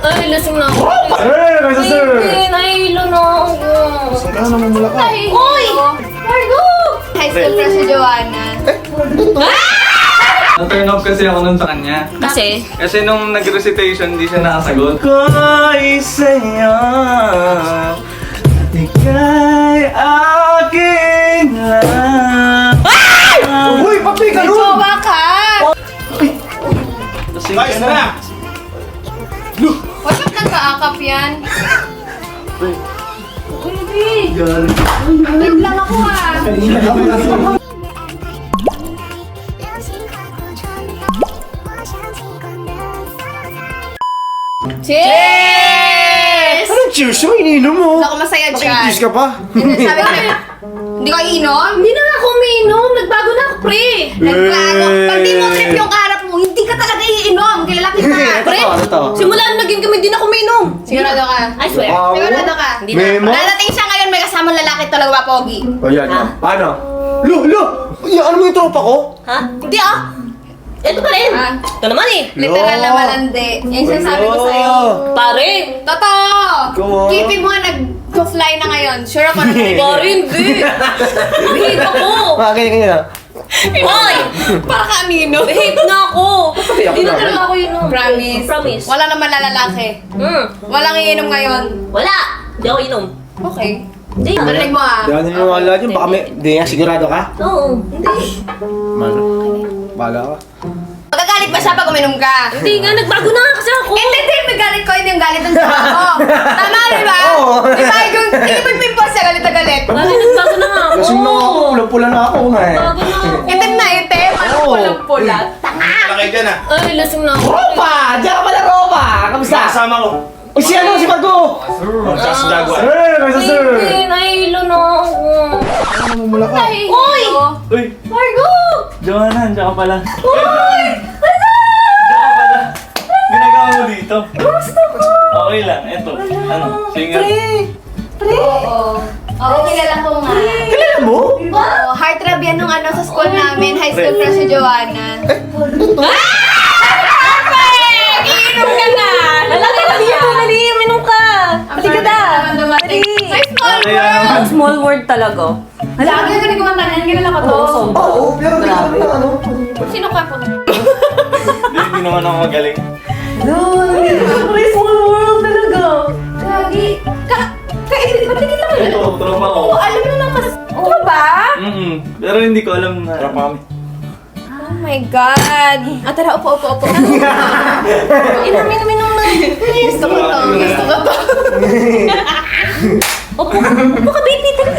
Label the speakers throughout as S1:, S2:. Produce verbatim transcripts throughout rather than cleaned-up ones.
S1: Ay, lasing na ako.
S2: Eh, kaysa sir!
S1: Ay, nahihilo na ako.
S2: Saan ka naman mula ka?
S1: Uy! Margo!
S3: High school crush si Joanna.
S4: Na-turn off kasi ako nun sa kanya.
S1: Kasi?
S4: Kasi nung nag-recitation, hindi siya nakasagot. Ko'y sa'yo, ika'y aking lang.
S2: Uy, papi ka nun!
S3: Jowa ka!
S4: Lasing ka na.
S3: Huwag kang nagkaakap yan. Uy, babe. Wait lang ako ah. Cheers!
S2: Anong cheers mo? Ininom mo?
S3: Ako masaya dyan.
S2: Nakikiss ka pa?
S3: Hindi, sabi ko na, hindi ko iinom?
S1: Hindi na nga ako umiinom. Nagbago na ako, pre.
S3: Nagbago. Pag di mo trip yung kaharap mo, hindi ka talaga iinom. Kilala kita.
S1: Pre,
S2: Totoo.
S1: simula nung naging kami, hindi na ako umiinom.
S3: Sigurado ka?
S1: I swear.
S2: Wow.
S3: Sigurado ka?
S1: Hindi na.
S2: Memo?
S3: Dadating siya ngayon, may kasamang lalaki talaga ba, Pogi?
S2: O yan,
S1: Ah.
S2: paano? Lo, lo! Yan, ano mo yung tropa ko?
S1: Ha? Hindi ah. Ito pa rin.
S3: Ah.
S1: Ito naman eh.
S3: Literal na malandi. Yan sinasabi ko sa'yo.
S1: Pare.
S3: Totoo!
S2: Go on.
S3: Keepin mo nga nag-fly na ngayon. Sure ako na
S1: Pare, hindi. Behave ako.
S2: Ah, kanya, kanya.
S1: Hoy!
S3: Para ka amino.
S1: Behave na ako. Hindi na talaga ako yun. no.
S3: Promise.
S1: Promise.
S3: Wala naman lalaki.
S1: Hmm.
S3: Walang iinom ngayon.
S1: Wala. Hindi ako inom.
S3: Okay.
S1: Hindi.
S3: Narinig mo ah.
S2: Hindi ka naniniwala dyan, baka may... Hindi nga, sigurado ka?
S1: Oo. Hindi.
S2: Mano? Bahala ka.
S3: Magagalit ba siya pag uminom ka?
S1: Hindi nga, nagbago na nga kasi ako.
S3: Hindi, hindi. May galit ko. Hindi yung galit ng sa ako. Tama, di ba?
S2: Oo.
S3: Di ba? Yung hindi mo pimpos siya galit na galit.
S1: Pare, nagbago na nga ako.
S2: Lasing na ako, pula-pula na ako nga eh.
S1: Nagbago na ako.
S3: Itim na itim. Ano
S2: Oo.
S3: pulang pula? Tanga!
S4: Malaki dyan ah.
S1: Ay, lasing na ako.
S2: Ropa! Diyan ka pala, Ropa! Kamusta?
S4: Kasama ko.
S2: Uy, si ano, si Margo!
S4: Sa Jaguar.
S2: Eh, kaysa sir!
S1: Hindi, nahihilo na ako.
S2: Ano naman mula ka?
S1: Uy!
S4: Uy,
S1: Margo!
S4: Joanna, diyan ka pala.
S1: Uy! Ano?
S4: Diyan ka pala. Ginagawa mo dito.
S1: Gusto ko!
S4: Okay lang, eto. Ano, singer.
S1: Pre!
S3: Oo. Oo, kilala ko nga.
S2: Kilala mo?
S3: Oo, heartthrob yan nung ano sa school namin. High school crush si Joanna. Perfect! Iinom ka na!
S1: Lalaki na dito! Dali! Minum ka! Dali ka na!
S3: Dali! Sa small
S4: Kaya
S3: world!
S4: naman.
S1: Small word talaga.
S3: Lagi ka rin kumantanan, kilala ko to.
S2: Oo, pero hindi ka na ano.
S3: Sino ka po?
S4: Hindi, hindi naman ako magaling.
S1: Pre, small world talaga.
S3: Lagi. Ka... Ka... Ba't hindi kita mo?
S4: Ito, tropa ko.
S3: Oo, alam mo naman. Oo ba?
S4: Mm-mm. Pero hindi ko alam na. Tropa kami.
S3: Oh my God! Ah, tara, upo, upo, upo. Inom, inom, inom na. Gusto ko to, gusto ko to.
S1: Opo, opo ka, baby. Dali.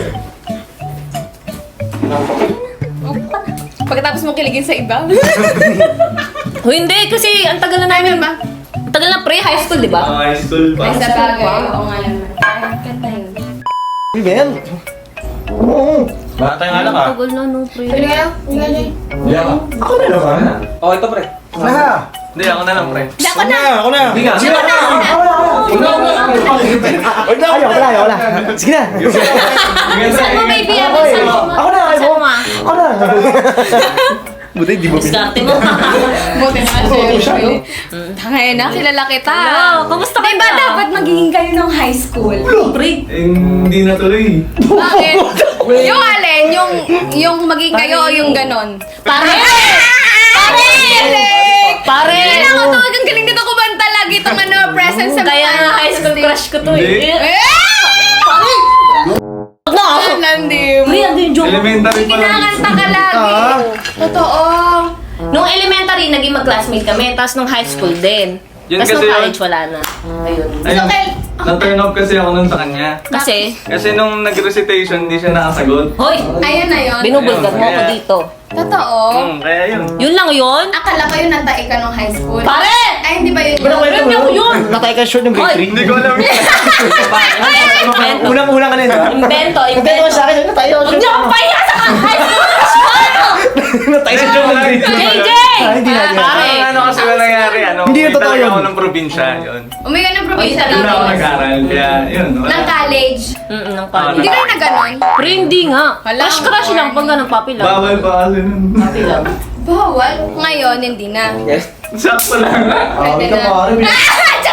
S3: Pagkatapos mo kiligin sa iba.
S1: O hindi, kasi ang tagal na namin.
S3: ba?
S1: Ang tagal na pre, high school, di ba?
S4: Ah, high school pa.
S3: Ay, sa bagay. Oo nga naman. Ay, kanta yun.
S2: Hindi ba yan? Oo.
S4: Bata nga lang ah.
S1: Tagal na no, pre.
S3: Pwede kayo? Pwede kayo?
S4: Hindi ako.
S2: Ako na naman.
S4: Oh, ito pre.
S2: Na!
S4: Hindi, ako na lang pre.
S3: Hindi ako na.
S2: Ako na!
S4: Hindi nga.
S2: Sige na! Ako na! Ako na! Ay, ako na, ako na. Sige na!
S1: Saan mo, baby? Ano,
S2: Ako,
S1: saan mo?
S2: ako na,
S1: Saan mo, ma?
S2: Ako na! Buti, di mo
S1: Diskarte mo.
S3: Buti naman
S2: Oo,
S3: siya.
S2: siya, no?
S3: Tangay na, kilala kita.
S1: Hello, kamusta ka
S3: Diba
S1: na?
S3: dapat magiging kayo nung high school?
S1: Pre.
S4: Eh, hindi na tuloy.
S3: Bakit? Yung alin, yung, yung maging kayo o yung ganon?
S1: Pare!
S3: Pare!
S1: Pare!
S3: Hindi ako to, ang galing nito kumanta lagi itong ano, presence sa
S1: Kaya nga high school crush ko to
S4: Hindi.
S1: eh.
S3: Eh!
S1: Pare! Wag na ako!
S3: Landim.
S1: Pre, ano yung joke?
S4: Elementary pa lang.
S3: Kinakanta ka lagi.
S2: Ah.
S3: Totoo.
S1: Nung elementary, naging mag-classmate kami. Tapos nung high school din.
S4: Yun
S1: Tapos
S4: kasi
S1: nung
S4: yun.
S1: college, wala na. Ayun.
S4: Ayun,
S3: kay-
S4: na-turn off kasi ako nun sa kanya.
S1: Kasi,
S4: Kasi nung nag-recitation, hindi siya nakasagot.
S1: hoy!
S3: Ayun na yun.
S1: Binubulgar mo ako
S4: Kaya-
S1: dito.
S3: Totoo.
S4: Hmm, kaya yun.
S1: Yun lang yun?
S3: Akala ko yun nantai ka nung high school.
S1: Pare!
S3: Ay, hindi ba yun?
S2: Pero kwento
S1: Hindi ako yun.
S2: Natay ka short ng grade
S1: Hoy.
S2: three.
S4: Hindi ko alam yun.
S1: Invento.
S2: Unang-unang ka na yun, ha?
S1: Invento,
S2: Natay
S1: invento.
S2: ko sa akin, natay ako
S1: Huwag niyo akong pahiya sa high school crush ko!
S2: Natay sa short ng grade three.
S1: J J!
S2: Ah, hindi na yan.
S1: Pare!
S4: Parang ano kasi na nangyari, ano?
S2: Hindi yun
S4: umuwi
S2: totoo
S4: talaga
S2: yun.
S4: ako ng probinsya, yun.
S3: Umuwi ka ng probinsya
S1: Ay,
S4: Doon ako
S3: tapos.
S4: nag-aral, kaya yun. wala.
S3: Ng college.
S1: Mm, ng
S4: Ah,
S1: pali.
S3: Hindi kayo na ganon.
S1: Pre, hindi nga.
S3: Wala,
S1: Crush crush
S3: boring.
S1: lang pag ganun, papi lang.
S4: Bawal pa kasi nun.
S1: Papi lang.
S3: Bawal. Ngayon, hindi na.
S2: Yes.
S4: Sakto lang.
S2: Ah,
S3: Pwede
S2: ito
S3: na.
S2: pare.
S3: Ah, charot lang.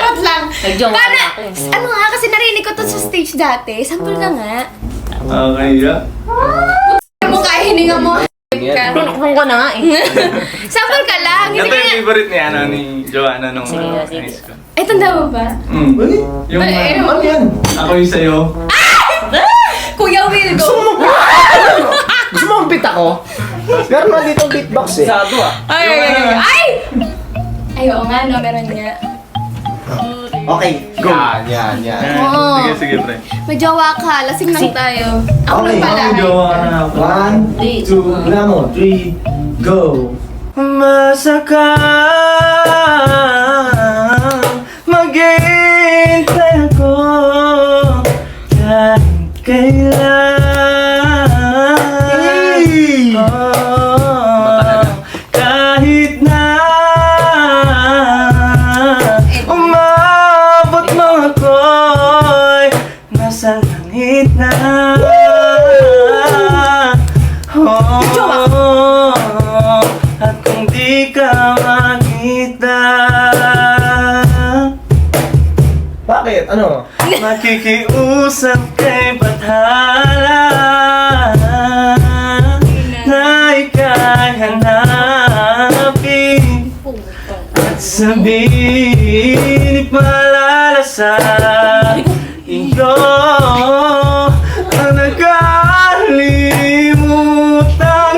S1: Nagjowa
S3: Paano?
S1: na ako eh.
S3: Ano nga, kasi narinig ko to sa stage dati. Sample ka nga.
S4: Okay, yeah.
S3: Mukha, hininga mo.
S1: Tinukong ko na nga eh.
S3: Sample ka lang.
S4: Ito
S3: Hindi ka
S4: yung
S3: na...
S4: favorite ni, ano, ni Joanna nung
S1: Sige,
S4: ano,
S1: sige.
S4: high school.
S3: Ay, tanda mo ba?
S4: Mm.
S2: Uy,
S4: Yung,
S3: Ay, ay,
S4: uh,
S2: ano yan?
S4: ako yung sa'yo.
S3: Kuya Will,
S2: Gusto
S3: go.
S2: mo mag... Gusto mo mag-beat ako? Meron na dito ang beatbox eh.
S4: Sado ah.
S3: Ay, ay, ay, ay! Ay, oo nga, no, meron nga.
S2: Okay, go. Yan, yan, yan.
S3: Oo.
S4: Sige, sige, pre.
S3: May jowa ka, lasing lang tayo. Ako
S2: Okay.
S3: lang pala.
S4: Ang jowa ka na ako.
S2: One, two, wala mo, three, go.
S4: Masaka maghihintay ako kahit kailan. Oh, kahit na umabot mo ako'y nasa langit na. Oh, at kung di ka makita,
S2: Bakit? Ano?
S4: makikiusap kay Bathala na ika'y hanapin at sabihin ipaalala sa iyo ang nagkalimutang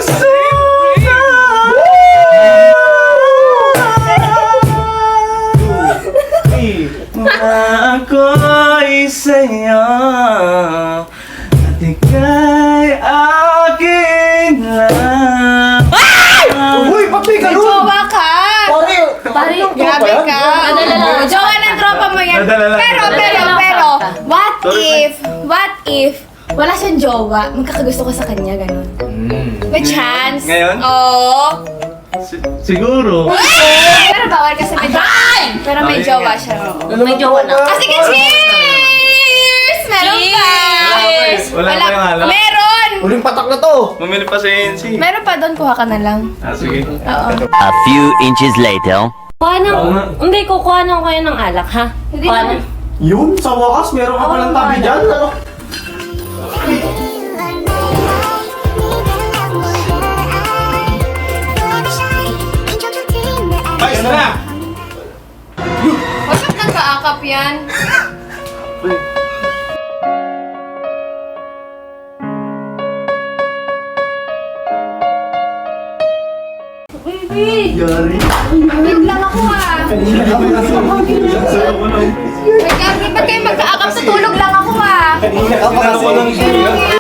S2: Three.
S4: na ako'y sa'yo at ika'y akin lang.
S2: Uy, ba't may
S3: May
S2: ganun?
S3: jowa ka!
S2: Pare,
S1: Pare,
S3: Grabe ka!
S1: Nadala lang.
S3: Jowa ng tropa mo yan.
S4: Nadala lang.
S3: Pero,
S1: Nadala
S3: pero,
S1: lang
S3: pero,
S1: sakta.
S3: what
S4: Sorry,
S3: if, what if, wala siyang jowa, magkakagusto ka sa kanya, ganun. May chance.
S4: Ngayon?
S3: Oo.
S4: Si- siguro.
S3: Pero bawal kasi may jowa. Pero may
S4: Ayun
S3: jowa
S4: nga.
S3: siya.
S1: May jowa na.
S3: Ah, sige, cheers! Meron pa!
S1: Cheers!
S4: Wala pa yung halo.
S3: Meron!
S2: Huling patak na to.
S4: Bumili pa sa A N C.
S3: Meron pa doon, kuha ka na lang.
S4: Ah, sige.
S3: Oo.
S5: A few inches later.
S1: Kuha ng...
S4: Oo nga.
S1: Hindi, kukuha ng kayo ng alak, ha?
S3: Hindi
S1: Kuha
S3: naman.
S1: ng...
S2: Yun, sa wakas, meron ka palang tabi dyan. Ano?
S4: Ayos na!
S3: Bakit nagkaakap yan? Baby!
S2: Yari.
S3: Wait lang ako ah.
S2: Kanina ako nasa
S3: Wait lang, ba't kayo magkaakap sa tulog lang ako ah?
S2: Kanina ka pa kasi.